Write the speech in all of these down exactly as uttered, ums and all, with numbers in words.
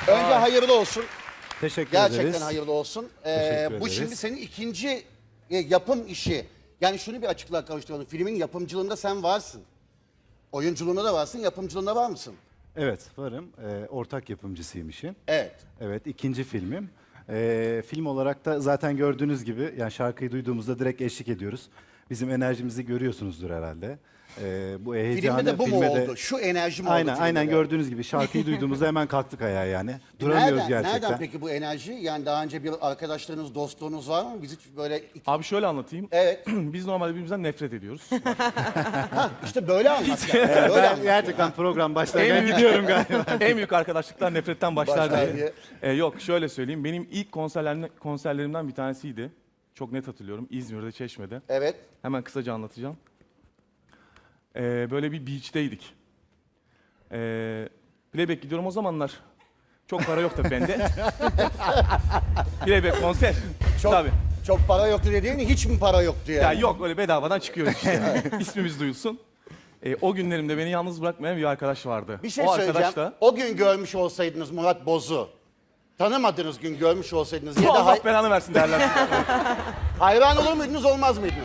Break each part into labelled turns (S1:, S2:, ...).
S1: Önce hayırlı olsun.
S2: Teşekkür
S1: Gerçekten
S2: ederiz.
S1: hayırlı olsun. Ee,
S2: Teşekkür
S1: bu
S2: ederiz.
S1: şimdi senin ikinci e, yapım işi. Yani şunu bir açıklığa kavuşturalım. Filmin yapımcılığında sen varsın. Oyunculuğunda da varsın, yapımcılığında var mısın?
S2: Evet, varım. Ee, ortak yapımcısıyım işin.
S1: Evet.
S2: Evet, ikinci filmim. Ee, film olarak da zaten gördüğünüz gibi, yani şarkıyı duyduğumuzda direkt eşlik ediyoruz. Bizim enerjimizi görüyorsunuzdur herhalde. Ee, bu heyecanı
S1: Filmde de bu mu
S2: filme
S1: oldu? Şu enerji mi oldu?
S2: Aynen,
S1: filmde
S2: aynen
S1: de?
S2: gördüğünüz gibi şarkıyı duyduğumuzda hemen kalktık ayağa yani. Duramıyoruz
S1: nereden,
S2: gerçekten.
S1: Nereden peki bu enerji? Yani daha önce bir arkadaşlarınız, dostluğunuz var mı? Biz hiç böyle...
S3: Abi şöyle anlatayım.
S1: Evet.
S3: Biz normalde birbirimizden nefret ediyoruz.
S1: İşte böyle anlat. Yani. Böyle
S2: Ben
S1: anlat.
S2: gerçekten program başlarken
S3: En büyük-
S2: gidiyorum galiba.
S3: En büyük arkadaşlıklar nefretten başlar
S1: Başlar
S3: diye.
S1: diye.
S3: Ee, yok şöyle söyleyeyim. Benim ilk konserlerim, konserlerimden bir tanesiydi. Çok net hatırlıyorum. İzmir'de, Çeşme'de.
S1: Evet.
S3: Hemen kısaca anlatacağım. Ee, böyle bir beach'teydik. Ee, playback gidiyorum o zamanlar. Çok para yok tabii bende. Playback konser.
S1: Çok,
S3: Tabii.
S1: çok para yoktu dediğin hiç mi para yoktu yani?
S3: Ya yok öyle bedavadan çıkıyoruz işte. İsmimiz duyulsun. Ee, o günlerimde beni yalnız bırakmayan bir arkadaş vardı.
S1: Bir şey
S3: o
S1: söyleyeceğim.
S3: arkadaş da
S1: O gün görmüş olsaydınız Murat Boz'u, tanımadığınız gün görmüş olsaydınız ya da
S3: Allah
S1: hay-
S3: belanı versin derler.
S1: hayran olur muydunuz, olmaz mıydınız?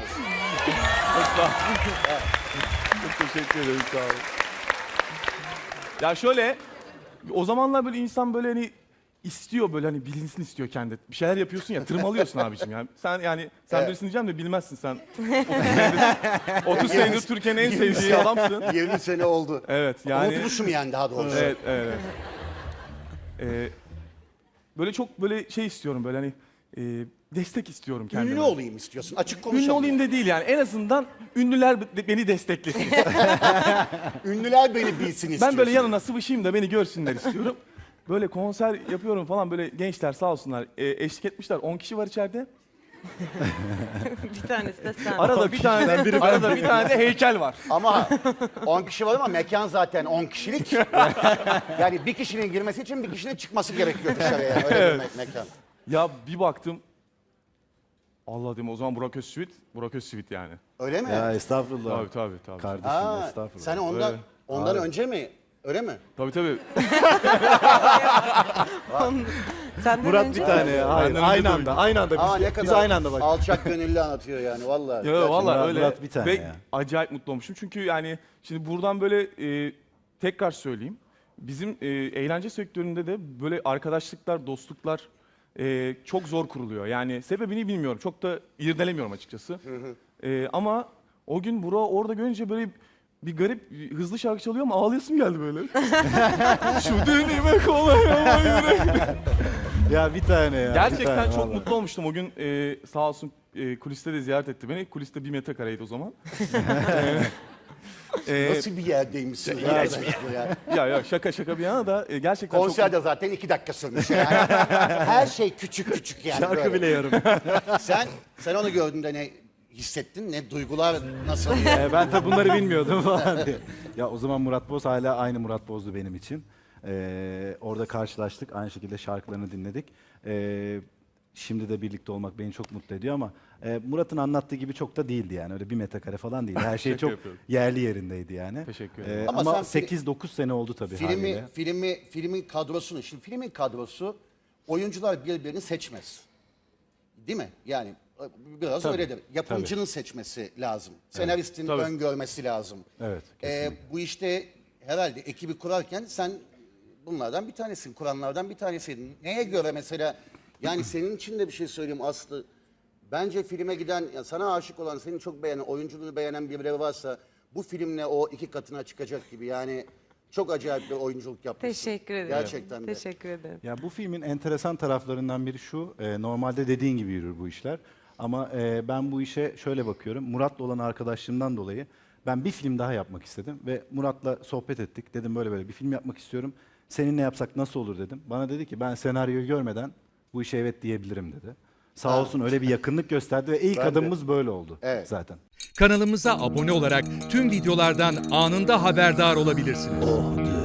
S3: Çok teşekkür ederim sağ olun. Ya şöyle o zamanlar böyle insan böyle hani istiyor böyle hani bilinsin istiyor kendi. Bir şeyler yapıyorsun ya tırmalıyorsun abicim yani. Sen yani sen
S1: Evet.
S3: bilirsin diyeceğim de bilmezsin sen. otuz senedir, otuz senedir Türkiye'nin en sevdiği adamsın.
S1: yirmi sene oldu.
S3: Evet yani.
S1: Unutmuşum yani daha doğrusu.
S3: Evet evet. Ee, böyle çok böyle şey istiyorum böyle hani e, destek istiyorum kendime.
S1: Ünlü olayım istiyorsun. Açık konuşalım.
S3: Ünlü olayım da değil yani. En azından ünlüler de- beni desteklesin.
S1: Ünlüler beni bilsin istiyorsun.
S3: Ben böyle yanına sıvışayım da beni görsünler istiyorum. Böyle konser yapıyorum falan böyle gençler sağ olsunlar e, eşlik etmişler. on kişi var içeride.
S4: Bir tanesi de sen.
S3: Arada bir tane de, arada bir tane de heykel var.
S1: Ama on kişi var ama mekan zaten on kişilik. Yani bir kişinin girmesi için bir kişinin çıkması gerekiyor dışarıya. Yani. Öyle bir me- mekan.
S3: Ya bir baktım. Allah dedim o zaman Burak Özçivit, Burak Özçivit yani.
S1: Öyle mi?
S2: Ya estağfurullah.
S3: Tabii tabii tabii.
S2: Kardeşim
S1: Ha,
S2: estağfurullah.
S1: sen ondan,
S3: Öyle.
S1: ondan önce mi? Öyle mi?
S3: Tabii tabii.
S4: Senden
S2: Murat
S4: önce
S2: bir tane ya. Hayır,
S3: Benden önce
S2: aynı
S3: de
S2: anda, aynı anda.
S1: Ama ne
S2: Biz,
S1: kadar
S2: biz aynı anda bak.
S1: alçak gönüllü anlatıyor yani vallahi.
S3: Ya
S1: Gerçekten.
S3: vallahi
S2: Murat-
S3: öyle.
S2: Murat bir tane
S3: Ve
S2: ya.
S3: acayip mutlu olmuşum. Çünkü yani şimdi buradan böyle e, tekrar söyleyeyim. Bizim e, eğlence sektöründe de böyle arkadaşlıklar, dostluklar e, çok zor kuruluyor. Yani sebebini bilmiyorum. Çok da irdelemiyorum açıkçası. E, ama o gün Burak'ı orada görünce böyle bir garip hızlı şarkı çalıyor ama ağlayasım geldi böyle. Şu denime kolay ama yürek.
S2: Ya bir tane ya. bir
S3: Gerçekten
S2: tane,
S3: çok
S2: vallahi.
S3: mutlu olmuştum. O gün e, sağ olsun e, kuliste de ziyaret etti beni. Kuliste bir metrekareydi o zaman. E,
S1: Nasıl bir yerdeymişsin?
S3: Ya,
S1: Ya, ya.
S3: ya ya şaka şaka bir yana da e, gerçekten
S1: Konser
S3: çok...
S1: de zaten iki dakika sürmüş yani. Her şey küçük küçük yani.
S2: Şarkı
S1: böyle.
S2: bile yarım.
S1: Sen, sen onu gördüğünde ne hissettin? Ne duygular nasıl?
S2: Ee, ben tabi bunları bilmiyordum falan diye. Ya o zaman Murat Boz hala aynı Murat Boz'du benim için. Ee, orada karşılaştık. Aynı şekilde şarkılarını dinledik. Ee, şimdi de birlikte olmak beni çok mutlu ediyor ama e, Murat'ın anlattığı gibi çok da değildi yani. Öyle bir metrekare falan değildi. Her şey
S3: Şaka
S2: çok
S3: yapıyorum.
S2: yerli yerindeydi yani.
S3: Teşekkür
S2: Ee,
S3: ederim.
S1: Ama
S2: ama
S1: sen fi-
S2: sekiz dokuz sene oldu tabii
S1: filmi,
S2: haliyle.
S1: filmi, filmin kadrosunu, şimdi filmin kadrosu oyuncular birbirini seçmez. Değil mi? Yani biraz
S2: Tabii,
S1: öyledir. Yapımcının seçmesi lazım. Senaristin
S3: tabii.
S1: öngörmesi lazım.
S2: Evet,
S1: Ee, bu işte herhalde ekibi kurarken sen bunlardan bir tanesin, kuranlardan bir tanesiydin. Neye göre mesela, yani senin için de bir şey söyleyeyim Aslı. Bence filme giden, ya sana aşık olan, seni çok beğenen, oyunculuğunu beğenen birileri varsa bu filmle o iki katına çıkacak gibi. Yani çok acayip bir oyunculuk yapmışsın.
S4: Teşekkür ederim.
S1: Gerçekten de.
S4: Teşekkür ederim.
S2: Ya bu filmin enteresan taraflarından biri şu, e, normalde dediğin gibi yürür bu işler. Ama e, ben bu işe şöyle bakıyorum, Murat'la olan arkadaşlığımdan dolayı ben bir film daha yapmak istedim. Ve Murat'la sohbet ettik, dedim böyle böyle bir film yapmak istiyorum. Seninle yapsak nasıl olur dedim. Bana dedi ki ben senaryoyu görmeden bu işe evet diyebilirim dedi. Sağ
S1: Ha.
S2: olsun öyle bir yakınlık gösterdi ve ilk
S1: Ben de.
S2: adımımız böyle oldu
S1: Evet.
S2: zaten.
S5: Kanalımıza abone olarak tüm videolardan anında haberdar olabilirsiniz.